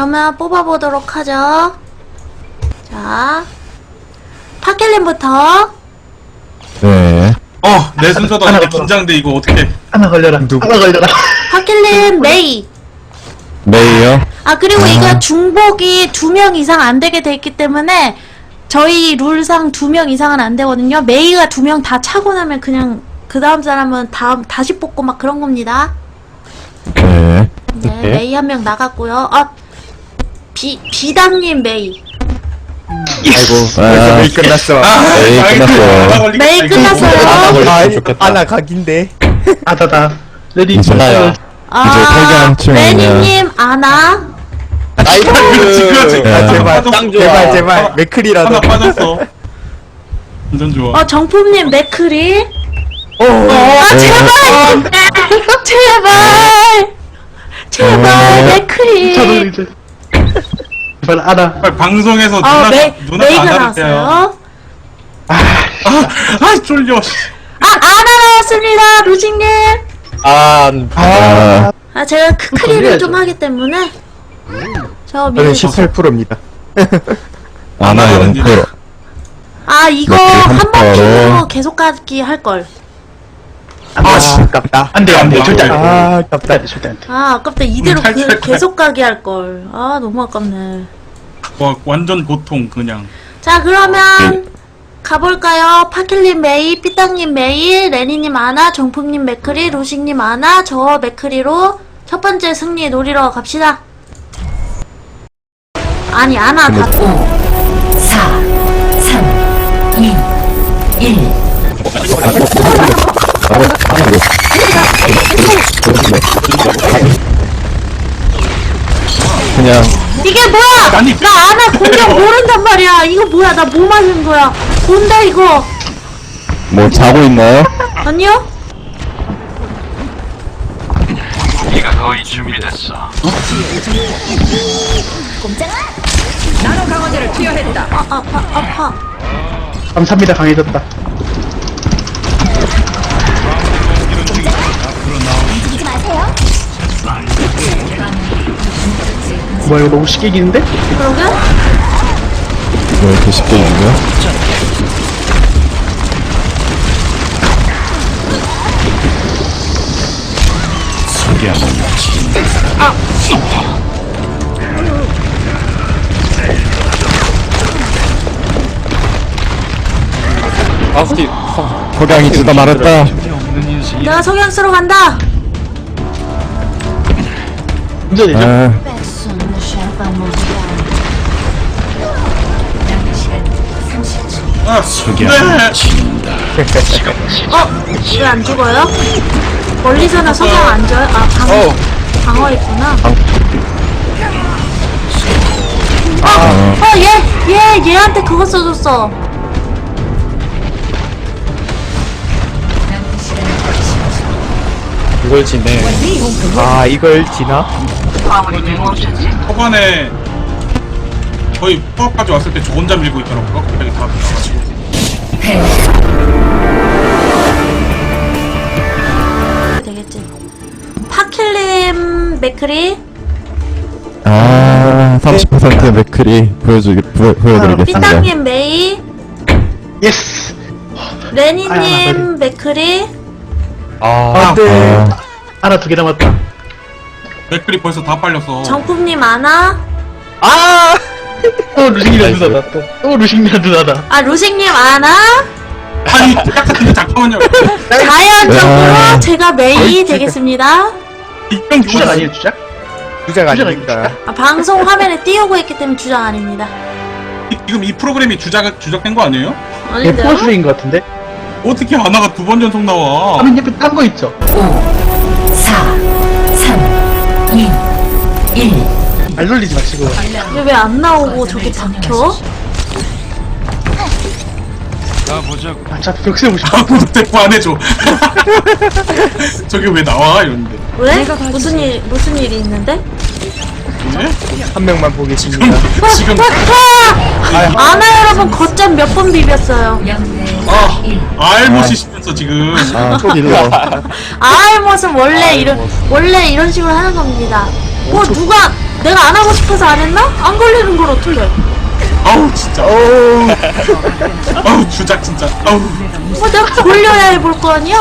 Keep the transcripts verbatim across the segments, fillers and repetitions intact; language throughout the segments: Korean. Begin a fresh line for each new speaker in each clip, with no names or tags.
그러면 뽑아보도록 하죠. 자, 파켈린부터.
네.
어, 내 순서도
하나
아닌데
걸려라.
긴장돼 이거 어떻게?
하나 걸려라.
누구?
하나 걸려라.
파켈린 메이.
메이요?
아, 그리고
아.
이거 중복이 두 명 이상 안 되게 돼 있기 때문에 저희 룰상 두 명 이상은 안 되거든요. 메이가 두 명 다 차고 나면 그냥 그 다음 사람은 다음 다시 뽑고 막 그런 겁니다.
네.
네,
네.
메이 한 명 나갔고요. 아, 비 비담님 메이.
아이고. 아,
메이 끝났어.
메이
아이고,
끝났어요.
하나 걸리겠다,
메이
이거.
끝났어요.
아,
좋겠다.
아나 각인데.
아다다. 레디.
이제 나야.
아,
이제 퇴근 층이면-
레니님 아나.
아이고.
그렇지, 그렇지.
네.
아, 제발,
짱
제발,
좋아.
제발.
하나
맥클이라도.
빠졌어. 완전 좋아.
어, 정품님 맥크리.
오.
아, 제발! 제발! 제발,
어.
맥크리.
저도 이제. 제발 아나.
빨리 방송에서
어,
누나
메,
누나가
메이가
안 나왔어요.
나왔어요.
아, 쫄려. 씨.
아, 아나 나왔습니다, 루징님.
아,
아,
아, 제가 크크리를
걸려야죠.
좀 하기 때문에. 저
저는
미리.
십팔 퍼센트입니다.
아나 영 퍼센트.
아, 이거
맥크리
한
삼
번
퍼센트.
키고 계속 가기 할걸.
아, 씨, 아깝다.
안 돼, 안 돼. 절대 안 돼.
아,
절대
아깝다.
안 돼, 절대 안 돼.
아, 아깝다. 이대로
음, 탈출할
그,
거야.
계속 가기 할걸. 아, 너무 아깝네.
와, 완전 고통 그냥.
자, 그러면 가볼까요? 파킬님 메이, 삐땅님 메이, 레니님 아나, 정품님 맥크리, 루식님 아나, 저 맥크리로 첫 번째 승리 노리러 갑시다. 아니, 아나 다
사, 삼, 이, 일.
그냥
이게 뭐야!
아니.
나 아나 공격 모른단 말이야. 이거 뭐야? 나 뭐 맞은 거야? 뭔다 이거?
뭐 자고 있나요?
아니요?
나노 강화제를 투여했다.
아, 아파, 아파.
감사합니다, 강해졌다.
움직이지 마세요.
뭐야, 이거 너무 쉽게 이기는데?
그러게?
왜 이렇게 쉽게 이기냐?
아, 혹시
석양이 지다 말았다.
내가 석양 쓰러 간다!
운전되죠?
아,
아, 네.
어? 왜 안 죽어요? 멀리서는 석양 안 져요? 아, 방,
어.
방어했구나. 어! 어, 얘! 얘! 얘한테 그거 써줬어.
이걸 지네. 아, 이걸 지나?
초반에 거의 포함까지 왔을 때 저 혼자 밀고 있더라고요. 갑자기 다 나가지고.
되겠지. 파킬림 맥크리,
아, 삼십 퍼센트 맥크리 보여주기 보여, 보여드리겠습니다.
삐땅님 메이,
예스!
레니님 맥크리,
아,
안 돼.
아,
하나 두 개 남았다.
맥클이 벌써 다 빨렸어.
정품님 아나,
아!
또 루식이랑
나이스.
누나다, 또. 또 루식이랑 누나다.
아, 루식님 아나,
아니, 잠깐만요, 잠깐만요.
자연적으로
야.
제가 메이 되겠습니다.
이병
주작
죽었어.
아니에요, 주작?
주작
주작
아닙니다.
아닙니까?
아, 방송 화면에 띄우고 있기 때문에 주장 아닙니다.
지금 이 프로그램이 주작 주작된 거 아니에요?
네,
아닌데요?
포스인 것 같은데?
어떻게 하나가 두 번 전속 나와?
화면 옆에 딴 거 있죠?
오, 사, 삼, 이, 일.
말 놀리지 마시고.
이게 왜 안 나오고 저기 박혀?
아, 자, 벽 세우고 싶어.
아무도 대꾸 안 해줘. 저게 왜 나와? 이러는데.
왜? 무슨 일, 무슨 일이 있는데?
네?
한 명만 보겠습니다.
지금
아! 아나 여러분 거점 몇 번 비볐어요.
아 알못이 시면서 지금
아, 또 일러.
아알못은 원래 이런 원래 이런 식으로 하는 겁니다. 뭐 누가 내가 안 하고 싶어서 안 했나? 안 걸리는 걸 어떻게?
아우 진짜.
오.
아우 주작 진짜. 아우.
뭐 내가 돌려야 해볼 거 아니야?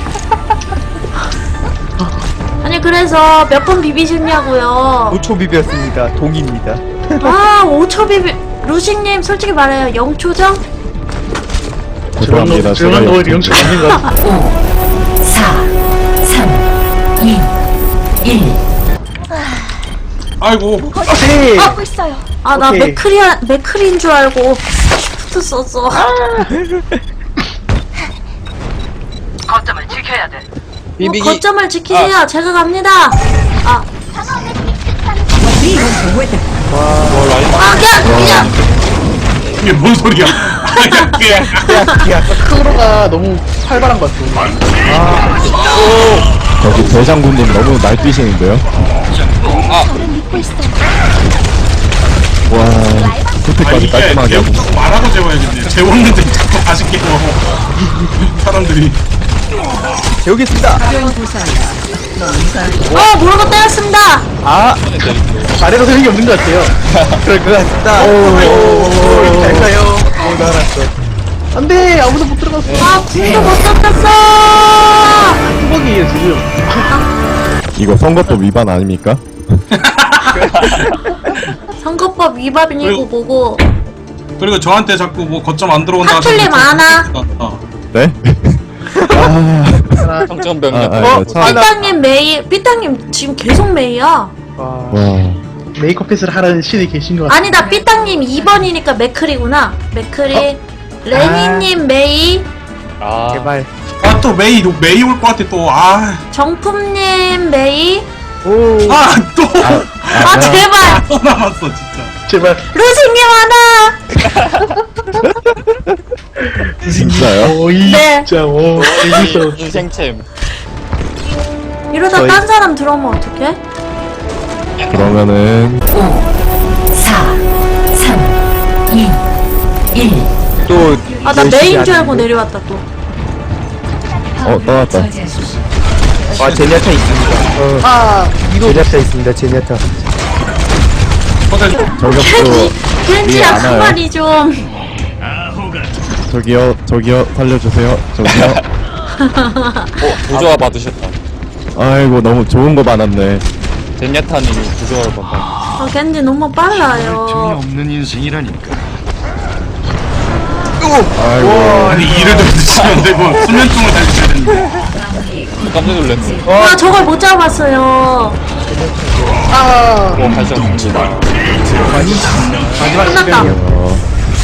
아니 그래서 몇 번 비비셨냐고요?
오 초 비비였습니다. 동입니다.
아 오 초 비비 루식님 솔직히 말해요 영 초죠?
죄송합니다.
조용한
제가
거 영수 없는 거 같아.
오, 사, 삼, 이, 일.
아이고.
오케이.
아 나
오케이.
맥크리 맥크리인 줄 알고 쉬프트 썼어. 뭐 거점을 지키세요. 제가 갑니다. 아. 아, 그냥, 그냥.
이게 뭔 소리야? 야, 그냥.
야, 크로가 너무 활발한 것 같아.
저기 대장군님 너무 날뛰시는데요? 와,
아
그때까지
이게
깔끔하게 하고.
계속 말하고 재워야겠네. 재웠는데 자꾸 다시 깨워. 사람들이.
재우겠습니다.
어, 모르고 때렸습니다.
아,
아래로 되는 게 없는 것 같아요.
그럴 것 같다.
오, 잘 가요.
오, 날았어.
안 돼! 아무도 못 들어갔어.
아, 궁도 못 썼었어.
뚜벅이에요, 지금.
이거 선거법 위반 아닙니까?
선거법 위반이고
그리고-
뭐고.
그리고 저한테 자꾸 뭐 거점 안 들어온다.
하툴리 많아.
어.
네? 아,
평점병
아, 아,
어?
이거 참.
삐땅님 메이, 삐땅님 지금 계속 메이야.
와,
와,
메이크업 핏을 하라는 신이 계신 것 같아.
아니다, 삐땅님 이 번이니까 맥크리구나. 맥크리. 레니님 메이.
아
제발.
아 또 메이 메이 올 것 같아 또. 아.
정품님 메이.
오.
아 또.
아, 제발.
또 남았어 진짜.
제발.
루식님 하나.
진짜요?
오, 이
네.
진짜, 오, 재밌어.
인생챔
이러다
저희-
딴 사람 들어오면 어떡해?
그러면은
오, 사, 삼, 이, 일.
또.
아, 나
열심히
메인 줄 알고
하는데.
내려왔다 또.
어 떠났다.
아, 제니아타 있습니다. 어,
아, 이거
제니아타 있습니다. 제니아타.
퍼센트.
켄지,
저격수
켄지야
안 와요.
그만이 좀.
저기요 저기요 살려주세요. 저기요.
어 부조화 받으셨다
아이고 너무 좋은 거 많았네.
젠야타님이 부조화를 받아
아, 켄지 너무 빨라요.
아이고
아니 이를 좀 드시면 안 되고 수면증을 달리셔야 되는데.
깜짝 놀랐네
아, 저걸 못 잡았어요.
어 다시 한번
마지막
끝났다.
시간이요.
어,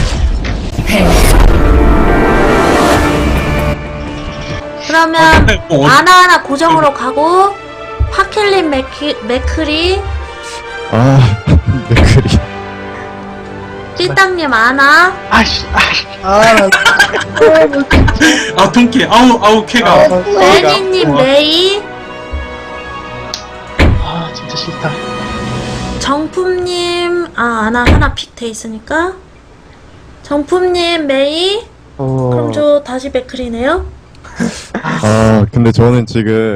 그러면
어, 어.
하나하나 고정으로 가고 파켈린 맥키, 맥크리,
아 맥크리.
삐땅님 아나,
아씨, 아씨, 아,
아 통쾌. 아우 아우 캐가.
레니님 메이,
아, 진짜 싫다.
정품님, 아, 아나 하나 픽 돼 있으니까. 정품님 메이,
어.
그럼 저 다시 맥크리네요?
아 근데 저는 지금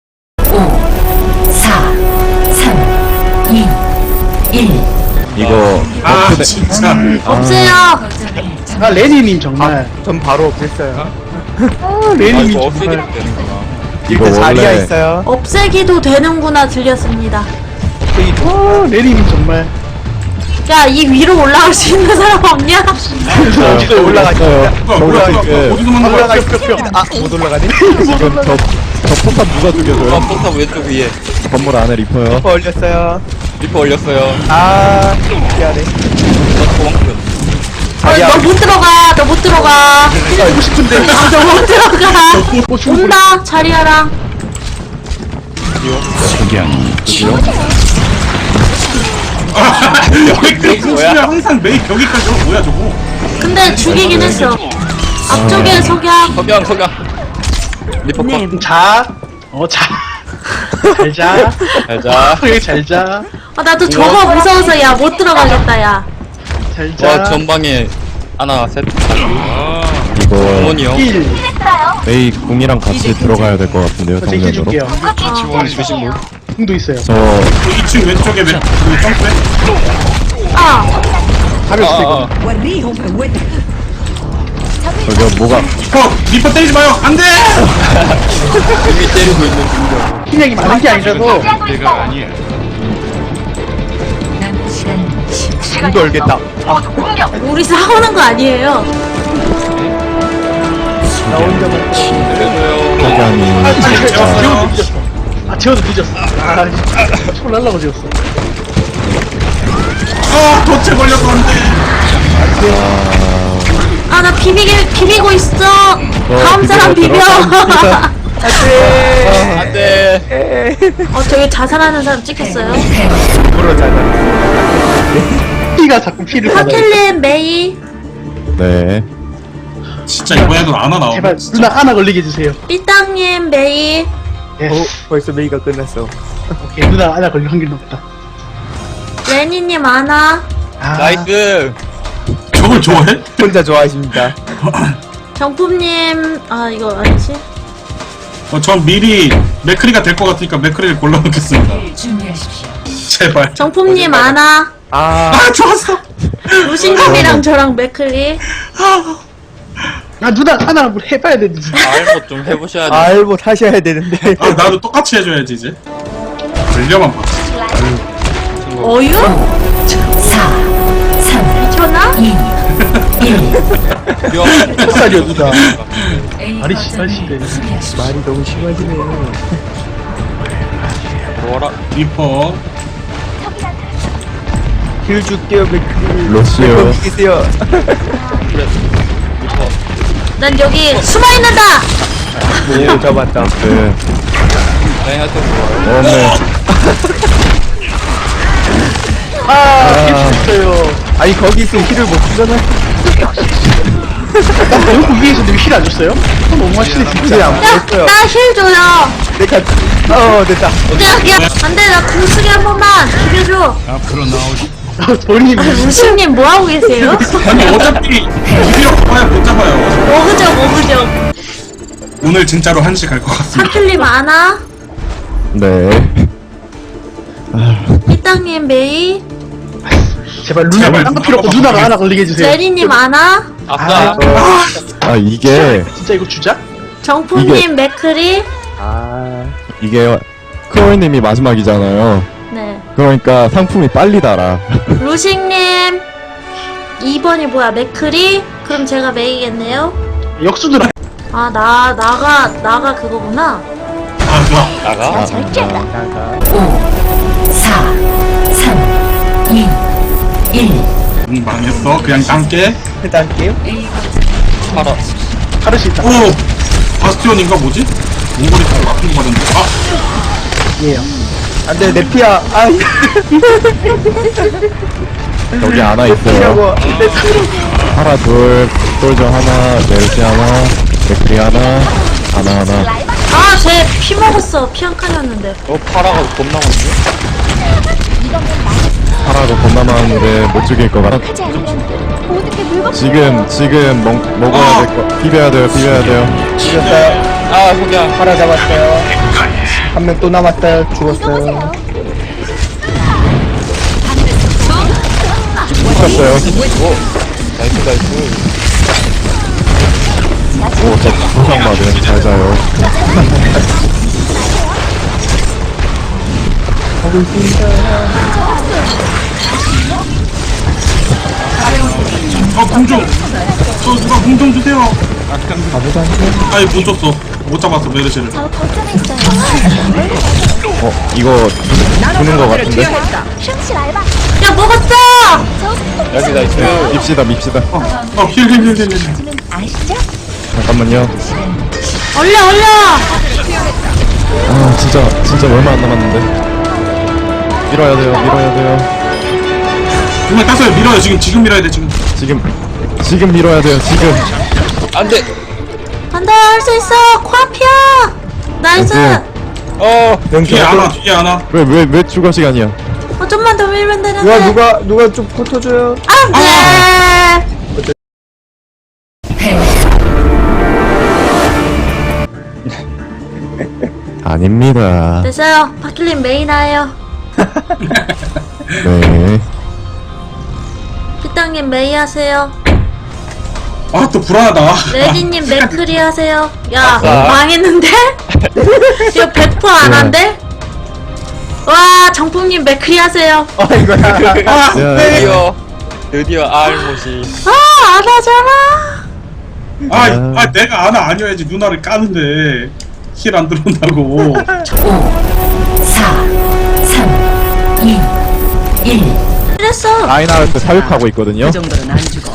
오, 사, 삼, 이, 일.
이거
아
버프네.
진짜.
없어요.
아, 레니님 정말.
전 바로 없앴어요.
아,
아
레니님
이거
정말.
없애기도 되는구나
이거
이거 자리야
원래
있어요.
없애기도 되는구나 들렸습니다.
아, 레니님 정말.
야, 이 위로 올라갈 수 있는 사람 없냐?
어디서 올라가시죠?
뭐야 뭐야
뭐야,
뭐야
이게.
어디서 만난 거야?
아, 못 올라가니?
지금 저, 저 폭탄 누가
아
죽여줘요?
포탑 왼쪽 위에
건물 안에 리퍼요.
리퍼 올렸어요.
리퍼 올렸어요
아, 미안해.
저 도망쳐
자리야.
너 못 들어가. 너 못 들어가.
알고 싶은데.
아, 너 못 들어가. 온다. 자리야랑.
여기 백승수야 항상 메이 여기까지 어 뭐야 저거?
근데 죽이긴 했어. 앞쪽에 석양.
석양 석양 리퍼 컷
자, 어, 자. 잘 자.
잘자
여기 잘 자.
아, 나도 저거 무서워서 야 못 들어가겠다 야.
잘 자.
와 전방에 하나 셋
이거
어머니요
일.
메이 궁이랑 같이 들어가야 될 것 같은데요.
저
정면으로.
제끼줄게요.
주식 물
궁도 있어요.
저
그 이 층 왼쪽에 왼, 그 점프해.
아,
가볍게
아, 아.
저기 뭐가
리퍼 리퍼 때리지 마요. 안돼.
이미 때리고 있는 중이야.
힘량이 많은 게 아니라도
남은 시간
눈도 얼겠다.
우리 싸우는 거 아니에요.
나 혼자만.
내려줘요.
석양이
아,
진짜
재워도 늦었어. 아, 재워도 늦었어. 아, 손 날라고 재웠어.
아 도체 걸려서 안돼.
아, 나 비비게, 비비고 있어. 다음 사람 비벼.
들어갑니다.
안돼.
어, 저기 자살하는 사람 찍혔어요.
물어 잘
피가 자꾸 피를 받아요.
파켈린, 메이,
네
진짜 이번에도 아나 나오네.
제발 누나 하나 걸리게 해주세요.
삐땅님, 메이.
예.
어, 벌써 메이가 끝났어.
오케이, 누나 하나 걸릴 확률 높다.
레니님, 아나.
아,
나이스.
저걸 좋아해?
혼자 좋아하십니다.
정품님, 아, 이거 아니지?
어, 전 미리 맥크리가 될 것 같으니까 맥크리를 골라놓겠습니다.
준비하십시오.
제발.
정품님, 아나.
아,
아 좋았어.
루시님이랑 저랑 맥클리.
아 누나 하나 뭐 해봐야 되는데.
알고 좀 해보셔야 돼.
알고 타셔야 되는데.
아 나도 똑같이 해줘야지 이제. 걸려만 봐.
어유?
사, 삼,
전화?
이, 일.
햇살이요 누나.
A
말이
거점을
심하시네.
수비하십시오.
말이 너무 심하시네요.
들어와라.
리퍼.
길 줄게요, 맥클.
로시오.
계세요.
난 여기 숨어 있는다.
오, 잡았다.
네
네, 하여튼 좋아요.
어네
아, 실수했어요.
아니, 거기 있으면 힐을 못 주잖아.
여기 위에서 힐 안 줬어요? 어, 너무 하시네
힐
진짜.
안
야,
줬어요.
나 힐 줘요.
내가, 어, 됐다.
야, 야, 안 돼, 나 궁쓰기 한 번만 비벼줘.
본인이
루시님 뭐 하고 계세요?
아니 어차피 비비려 가봐야 못 잡아요.
먹으죠, 먹으죠.
오늘 진짜로 한시 갈 것 같습니다.
파클님 아나,
네
삐땅님 메이,
제발 누나
제발
딴거 필요 없고
누나가
누나가 하나 걸리게 해주세요.
제리님 아나,
아싸.
아 이게
진짜 이거 주자?
정품님
이게-
맥크리.
아,
이게 크로이님이 마지막이잖아요.
네.
그러니까 상품이 빨리 달아.
루식님 이 번이 뭐야? 맥크리? 그럼 제가 메이겠네요.
역수 누나.
아, 나 나가 나가 그거구나.
아 좋아.
나가.
나가.
오, 사, 삼, 이, 일.
응 망했어. 그냥 남게.
일단 게임.
A 거점
팔아.
하를 수 있다.
오 바스티온인가 뭐지? 몽골이 타고 막힌 거 같은데. 아
예요. 안 돼, 내 피야. 아,
여기 하나 있어요.
피라고. 내
하나 둘 솔저 하나 멜시 하나 맥크리 하나 하나 하나.
아, 쟤 피 먹었어. 피 한 칸이었는데.
어, 파라가 겁나 많네.
하나도 겁나 많은데 못 죽일 것 같아. 지금 지금 먹, 먹어야 될 거. 비벼야 돼요. 비벼야 돼요.
죽였어요.
아, 속이야.
하나 잡았어요. 한 명 또 남았어요. 죽었어요.
죽었어요.
오, 나이스, 나이스.
오, 저 부상 받은 잘 자요.
어 궁좀. 저 누가 궁 좀 주세요. 아이 못 줬어. 못 잡았어 메르시를.
어, 이거 주는 것 같은데?
야, 먹었어!
여기 나이스.
밉시다, 밉시다.
어힐힐힐힐 힐.
잠깐만요.
얼려, 얼려!
아, 진짜, 진짜 얼마 안 남았는데. 밀어야 돼요, 밀어야 돼요.
정말 땄어요. 밀어요 지금 지금 밀어야 돼 지금.
지금, 지금 밀어야 돼요, 지금.
안 돼.
간다, 할 수 있어! 코앞이야! 나이스!
네.
어,
뒤에 하나 뒤에 하나.
왜, 왜, 왜 추가 시간이야?
어, 좀만 더 밀면 되는데.
누가, 누가, 누가 좀 붙어줘요.
안 돼!
아니, 아닙니다.
됐어요. 파킬린 메인 하예요.
네.
피땅님 메이 하세요.
아 또 불안하다.
레디님 맥크리 하세요. 야
아싸.
망했는데? 이거 백 퍼센트 안 한대? 와 정품님 맥크리 하세요.
어 이거야.
아 네.
드디어 드디어 알못이
아 안 하잖아.
아, 아 내가 아나 아니어야지 누나를 까는데 힐 안 들어온다고.
오, 사, 삼, 이, 일.
그랬어.
라인하르트 사육하고 있거든요.
정도는 안 죽어.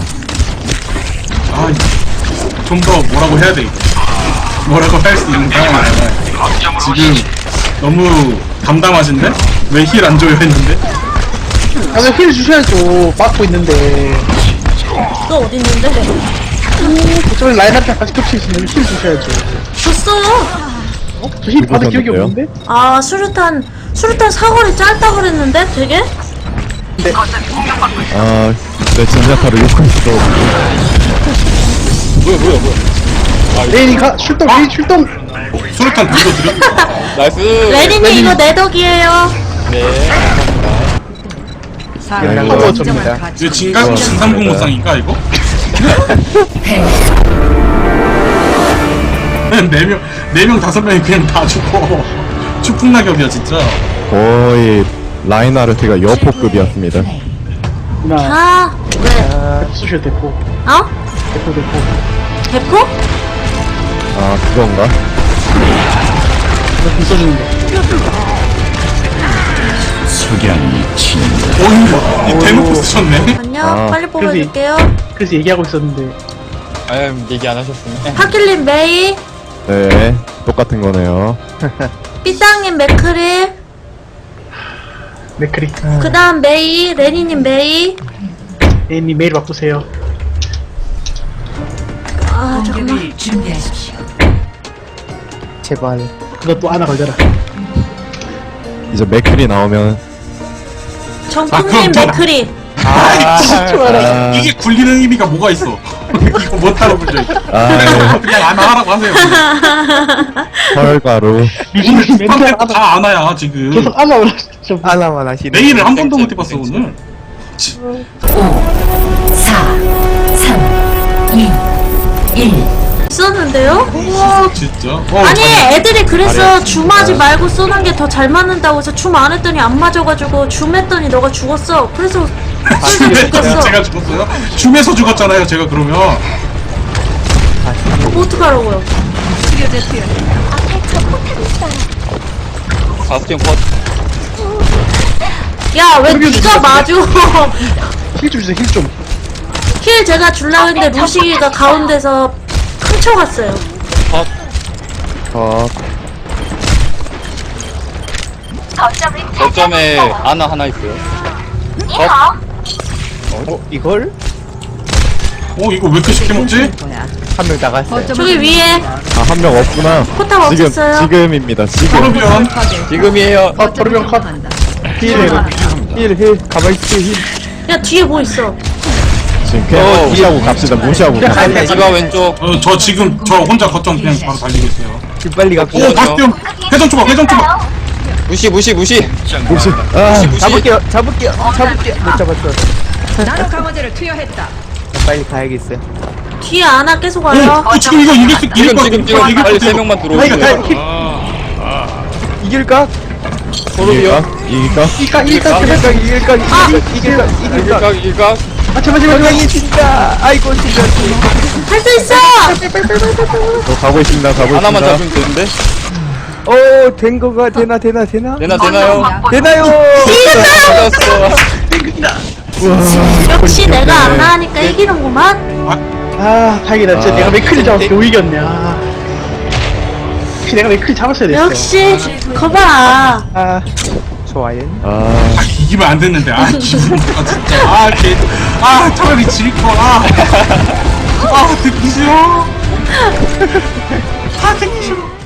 아좀 더 뭐라고 해야 돼 이거. 뭐라고 할 수 있는 상황이 아니야. 지금 너무 담담하신데? 왜 힐 안 줘요 했는데?
아니 힐 주셔야죠. 막고 있는데.
너 어디 있는데?
저희 라인한테 같이 겹치시면 힐 주셔야죠.
줬어요.
저 힐 받은 기억이
누구셨는데요?
없는데?
아 수류탄 수류탄 사거리 짧다 그랬는데 되게?
아, 내 진자타를 욕할 수도 없고.
뭐야 뭐야 뭐야
레인이가 출동 레인 출동.
수류탄 들고 드려.
나이스
레디님 이거 내 덕이에요.
네
아이고.
파워 접니다.
이거 진강 진상공무상인가 이거? 네 명, 네 명 다섯 명이 그냥 다 죽어. 추풍낙엽이야 진짜.
거의 라인하르트가 여포급이었습니다.
누나
아 왜?
쑤셔 대포.
어?
대포 대포.
대포?
아, 그건가?
이거 써주는 거.
어이, 이 대놓고 쓰셨네.
안녕.
아,
빨리 뽑아줄게요.
그래서 얘기하고 있었는데.
아유 얘기 안 하셨으면
파킬린 메이,
네, 똑같은 거네요.
삐땅님 맥크리,
맥크리.
그 다음 메이, 레니님 메이.
레인이 메일 바꾸세요.
아 잠깐만.
공격을 준비하십시오.
제발.
그것도 하나 걸려라.
이제 맥클이 나오면,
아,
정품님
그럼 저-
맥크리.
아,
이게 굴리는 의미가 뭐가 있어? 이거 못 따라 불려.
아,
그냥 안 하라고 하세요.
펄가루.
유진이 맨날
판백
하나
다 안아야 지금.
계속 하나 올라. 좀
하나만 하시네.
메일을 한 번도 못 해봤어 오늘.
오, 사, 삼, 이, 일.
있었는데요? 우와.
진짜. 어,
아니
잘-
애들이 그래서 줌하지 말고 쏘는 게 더 잘 맞는다고 해서 줌 안 했더니 안 맞아가지고 줌 했더니 너가 죽었어. 그래서 쏠쏠이 죽였어.
제가 죽었어요? 줌에서 죽었잖아요 제가 그러면.
뭐 어떡하라고요?
바스티온 컷
야 왜
그러게
네가 맞아?
힐 좀 주세요. 힐 좀.
힐 제가 줄라 했는데 루시가 가운데서 훔쳐갔어요.
컷
어,
거점에 아나 하나 있어요
어 이걸
어 이거 왜 이렇게 쉽게 먹지?
한 명 나갔어요.
저기 위에
아, 한 명 없구나.
포탑
지금,
없었어요.
지금입니다, 지금.
그러면
지금이에요
아 도르병 컷. 힐
힐 힐. 가만히 있어 힐.
야 뒤에 뭐 있어?
지금 그냥
어,
무시하고 갑시다, 무시하고 갑시다.
디바 왼쪽
어, 저 지금 저 혼자 거점 그냥 바로 달리고 있어요.
힐 빨리
오
갑시다.
박병 회전 초밥 회전 초밥.
무시 무시 무시
무시, 아,
무시
잡을게요. 잡을게요. 잡을게요. 못 잡았어.
나노 강화제를 투여했다.
빨리 가야겠어요.
뒤에 아나 계속 와요.
어 지금 이거 이길 수 이길
지금
거
지금 지금
이길
빨리
거
세 명만
다이가 다이
들어오세요
힐.
이길까?
이길까? 이길까?
이까 이까
이길까?
제발.
이길까? 이길까? 이길까? 이길까?
일각 일각
아 제발 제발 제발.
분명히 진짜. 아이고 진짜.
할 수 있어.
저 가고 있습니다, 가고
하나만
있습니다.
잡으면 되는데
오, 된 거가 되나 되나 되나?
되나 되나요?
되나요?
잡았어
역시 내가 아나 하니까 이기는구만.
아 다행이다. 진짜
아.
내가 맥크리 잡았어. 겨우 이겼네. 아. 혹시 내가 맥크리 잡았어야 됐어.
역시 거봐.
아, 좋아요.
아,
아 이기면 안 됐는데 아 기분 아 진짜 아개아 차라리 질거아 아 듣기 싫어 아 듣기 싫어